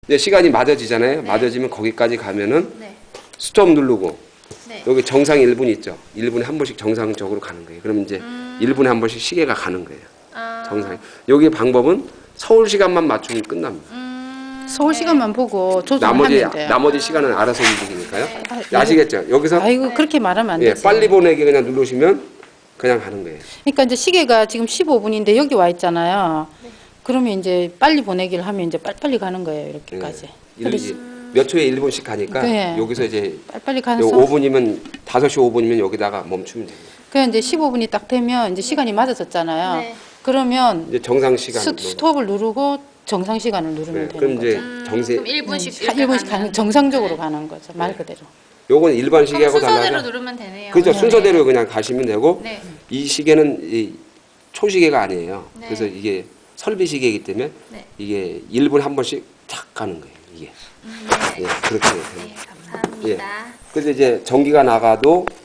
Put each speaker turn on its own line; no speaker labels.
이제 시간이 맞아지잖아요.
네.
맞아지면 거기까지 가면은
네.
스톱 누르고
네.
여기 정상 1분 있죠. 1분에 한 번씩 정상적으로 가는 거예요. 그럼 이제 1분에 한 번씩 시계가 가는 거예요.
아.
정상. 여기 방법은 서울 시간만 맞추면 끝납니다.
서울 시간만 보고
나머지
조정하면 돼요.
나머지 시간은 알아서 움직이니까요.
네.
아시겠죠? 여기서
아이고 그렇게 말하면 안
예,
되지.
빨리 보내기 그냥 누르시면 그냥 가는 거예요.
그러니까 이제 시계가 지금 15분인데 여기 와 있잖아요.
네.
그러면 이제 빨리 보내기를 하면 이제 빨리빨리 가는 거예요. 이렇게까지.
몇 초에 1분씩 가니까
네.
여기서 이제
빨리빨리 가서
5분이면 5시 5분이면 여기다가 멈추면 돼요.
그냥 이제 15분이 딱 되면 이제 시간이 맞아졌잖아요.
네.
그러면
이제 정상 시간.
스톱을 누르고 정상 시간을 누르면
네, 그럼
되는
이제
거죠.
정세
그럼 1분씩
한 1분씩 가는 정상적으로 가는 거죠. 말 그대로.
요건 일반
그럼
시계하고
순서대로
달라서
누르면 되네요.
그죠.
네.
순서대로 그냥 가시면 되고
네.
이 시계는 이 초시계가 아니에요.
네.
그래서 이게 설비 시계이기 때문에
네.
이게 1분에 한 번씩 탁 가는 거예요. 이게.
네.
예, 그렇게 돼요.
네, 감사합니다.
그래서 이제 전기가 나가도